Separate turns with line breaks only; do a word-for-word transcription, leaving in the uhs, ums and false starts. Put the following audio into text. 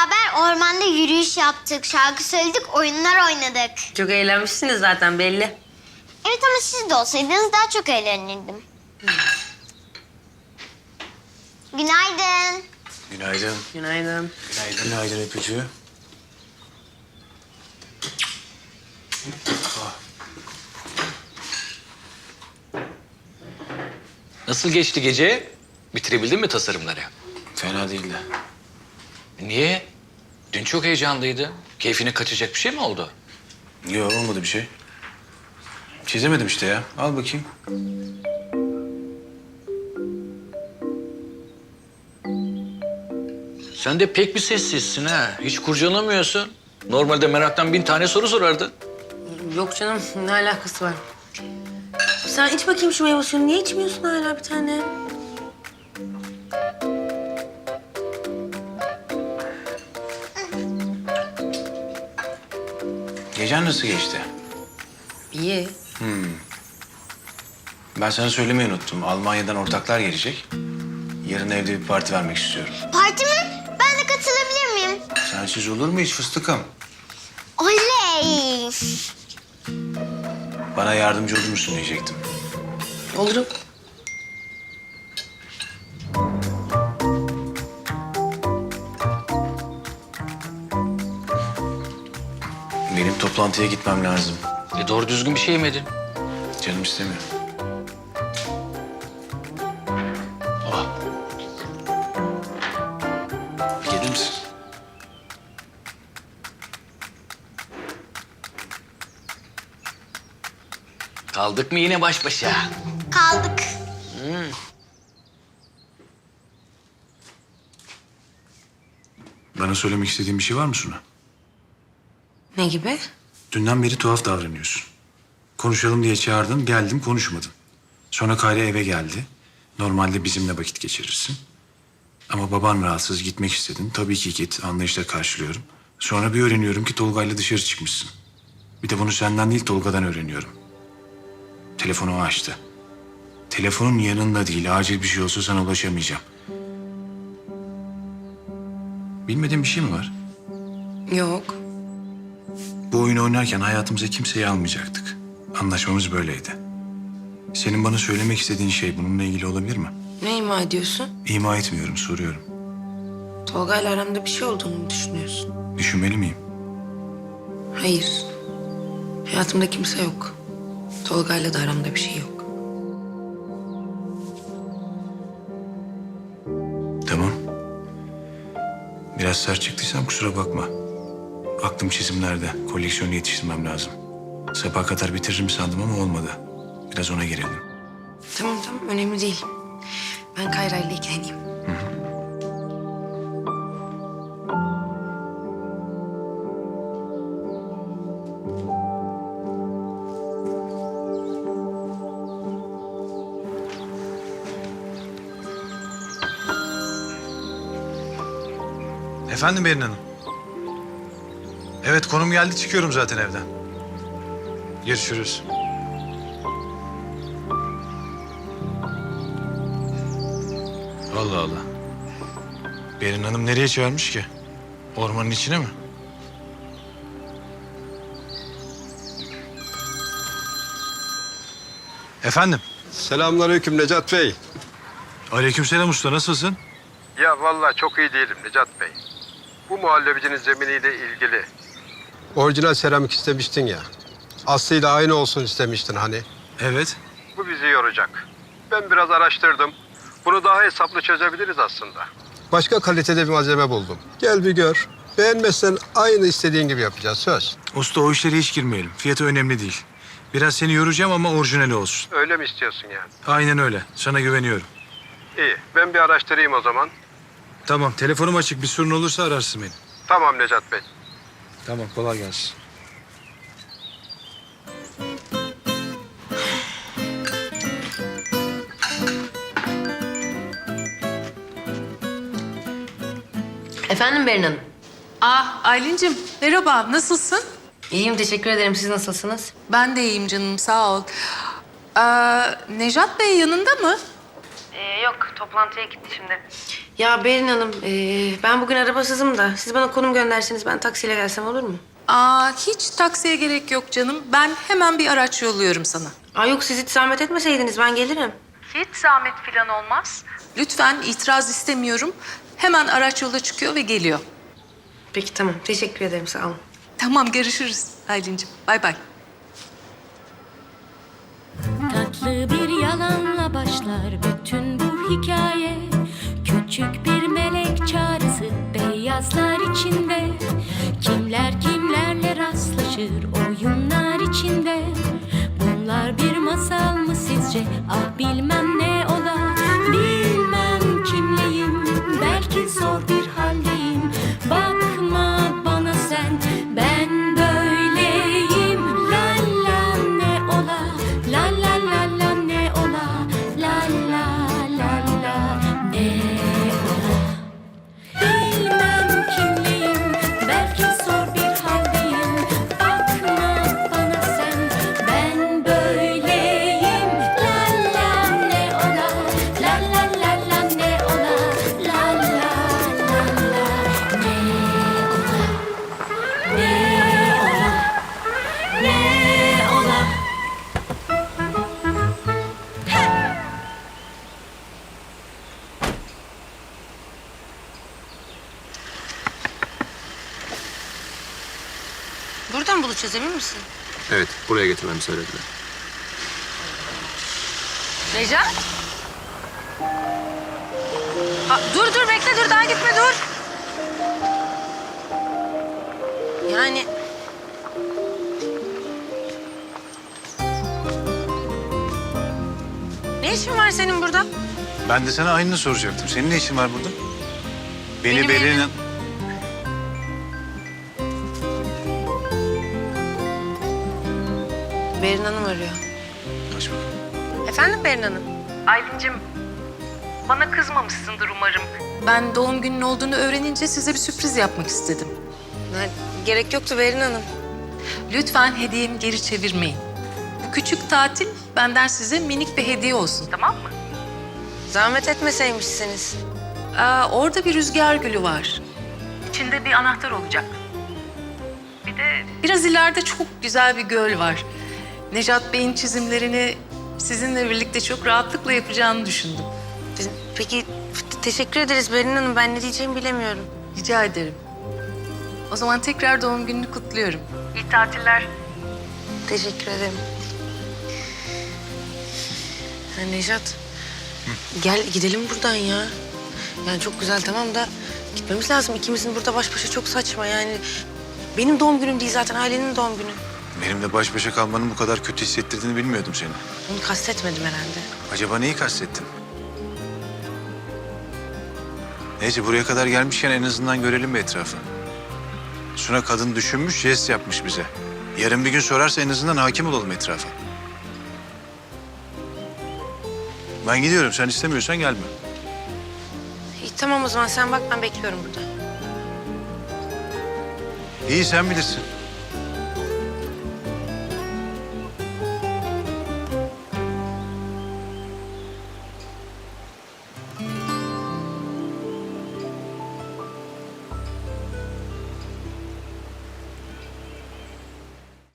beraber ormanda yürüyüş yaptık, şarkı söyledik, oyunlar oynadık.
Çok eğlenmişsiniz zaten belli.
Evet ama siz de olsaydınız daha çok eğlenirdim. Günaydın.
Günaydın.
Günaydın.
Günaydın. Günaydın öpücüğü.
Nasıl geçti gece? Bitirebildin mi tasarımları?
Fena değildi.
Niye? Dün çok heyecanlıydı. Keyfine kaçacak bir şey mi oldu?
Yok olmadı bir şey. Çizemedim işte ya. Al bakayım.
Sen de pek bir sessizsin ha. Hiç kurcalamıyorsun. Normalde meraktan bin tane soru sorardın.
Yok canım, ne alakası var? Sen iç bakayım şu meyve suyunu. Niye içmiyorsun hala bir tane?
Gecen nasıl geçti?
İyi.
Ben sana söylemeyi unuttum. Almanya'dan ortaklar gelecek. Yarın evde bir parti vermek istiyorum.
Parti mi? Ben de katılabilir miyim?
Sensiz olur mu hiç fıstıkım?
Oley!
Bana yardımcı olur musun diyecektim.
Olurum.
Benim toplantıya gitmem lazım.
E doğru düzgün bir şey yemedin.
Canım istemiyor. Oh. Gelir misin?
Kaldık mı yine baş başa?
Kaldık.
Bana söylemek istediğin bir şey var mı Suna?
Ne gibi?
Dünden beri tuhaf davranıyorsun. Konuşalım diye çağırdın, geldim konuşmadın. Sonra Kayra eve geldi. Normalde bizimle vakit geçirirsin. Ama baban rahatsız, gitmek istedin. Tabii ki git, anlayışla karşılıyorum. Sonra bir öğreniyorum ki Tolga'yla dışarı çıkmışsın. Bir de bunu senden değil Tolga'dan öğreniyorum. Telefonu o açtı. Telefonun yanında değil, acil bir şey olsa sana ulaşamayacağım. Bilmediğin bir şey mi var?
Yok.
Bu oyunu oynarken hayatımıza kimseyi almayacaktık. Anlaşmamız böyleydi. Senin bana söylemek istediğin şey bununla ilgili olabilir mi?
Ne ima ediyorsun?
İma etmiyorum, soruyorum.
Tolga ile aramda bir şey olduğunu mu düşünüyorsun?
Düşünmeli miyim?
Hayır. Hayatımda kimse yok. Tolga ile de aramda bir şey yok.
Tamam. Biraz sert çıktıysam kusura bakma. Aklım çizimlerde. Koleksiyonu yetiştirmem lazım. Sabaha kadar bitiririm sandım ama olmadı. Biraz ona girelim.
Tamam tamam önemli değil. Ben Kayra ile ilgileneyim.
Efendim Berin Hanım. Evet konum geldi çıkıyorum zaten evden. Görüşürüz. Allah Allah. Berin Hanım nereye çağırmış ki? Ormanın içine mi? Efendim?
Selamünaleyküm Necat Bey.
Aleykümselam usta, nasılsın?
Ya vallahi çok iyi değilim Necat Bey. Bu muhallebicinin zeminiyle ilgili. Orijinal seramik istemiştin ya. Aslıyla aynı olsun istemiştin hani.
Evet.
Bu bizi yoracak. Ben biraz araştırdım. Bunu daha hesaplı çözebiliriz aslında. Başka kalitede bir malzeme buldum. Gel bir gör. Beğenmezsen aynı istediğin gibi yapacağız, söz.
Usta o işlere hiç girmeyelim. Fiyatı önemli değil. Biraz seni yoracağım ama orijinali olsun.
Öyle mi istiyorsun yani?
Aynen öyle. Sana güveniyorum.
İyi, ben bir araştırayım o zaman.
Tamam, telefonum açık. Bir sorun olursa ararsın beni.
Tamam Necat Bey.
Tamam, kolay gelsin.
Efendim Berin Hanım.
Ah Aylin'cim merhaba, nasılsın?
İyiyim, teşekkür ederim. Siz nasılsınız?
Ben de iyiyim canım, sağ ol. Ee, Nejat Bey yanında mı?
Ee, yok, toplantıya gitti şimdi. Ya Berin Hanım, ee, ben bugün arabasızım da siz bana konum gönderseniz ben taksiyle gelsem olur mu?
Aa, hiç taksiye gerek yok canım. Ben hemen bir araç yolluyorum sana.
Aa yok, siz hiç zahmet etmeseydiniz ben gelirim.
Hiç zahmet falan olmaz. Lütfen itiraz istemiyorum. Hemen araç yola çıkıyor ve geliyor.
Peki tamam, teşekkür ederim, sağ olun.
Tamam, görüşürüz Aylin'cim. Bay bay.
Tatlı bir yalanla başlar bütün bu hikaye. Küçük bir melek çağrısı beyazlar içinde. Kimler kimlerle rastlaşır oyunlar içinde. Bunlar bir masal mı sizce? Ah bilmem ne ola. Bilmem kimleyim, belki zor bir haldeyim. Bakma bana sen, ben böyleyim. La la ne ola, la la la la ne ola, la la la la ne ola. Bilmem kimleyim, belki zor bir haldeyim. Bakma bana sen, ben böyleyim. La la ne ola, la la la la ne ola, la la la la ne ola, ne ola, ne ola.
Buradan buluşacağız, emin misin?
Evet, buraya getirmemi söylediler.
Necat? Aa, dur dur, bekle, dur, daha gitme, dur. Yani... Ne işin var senin burada?
Ben de sana aynını soracaktım. Senin ne işin var burada? Beni
Benim
Berin...
evim- Berin Hanım arıyor.
Aç bakalım.
Efendim Berin Hanım?
Aylin'cim, bana kızmamışsındır umarım. Ben doğum günün olduğunu öğrenince size bir sürpriz yapmak istedim.
Ha, gerek yoktu Berin Hanım.
Lütfen hediyemi geri çevirmeyin. Bu küçük tatil benden size minik bir hediye olsun, tamam mı?
Zahmet etmeseymişsiniz.
Aa, orada bir rüzgar gülü var. İçinde bir anahtar olacak. Bir de biraz ileride çok güzel bir göl var. Necat Bey'in çizimlerini sizinle birlikte çok rahatlıkla yapacağını düşündüm.
Biz- Peki teşekkür ederiz Berin Hanım. Ben ne diyeceğimi bilemiyorum.
Rica ederim. O zaman tekrar doğum gününü kutluyorum. İyi tatiller.
Teşekkür ederim. Ya Nejat, gel gidelim buradan ya. Yani çok güzel tamam da gitmemiz lazım. İkimizin burada baş başa çok saçma yani. Benim doğum günüm değil zaten, ailenin doğum günü.
Benimle baş başa kalmanın bu kadar kötü hissettirdiğini bilmiyordum seni.
Onu kastetmedim herhalde.
Acaba neyi kastettin? Neyse, buraya kadar gelmişken en azından görelim bir etrafı. Suna kadın düşünmüş, jest yapmış bize. Yarın bir gün sorarsa en azından hakim olalım etrafa. Ben gidiyorum. Sen istemiyorsan gelme.
İyi tamam o zaman, sen bak, ben bekliyorum burada.
İyi, sen bilirsin.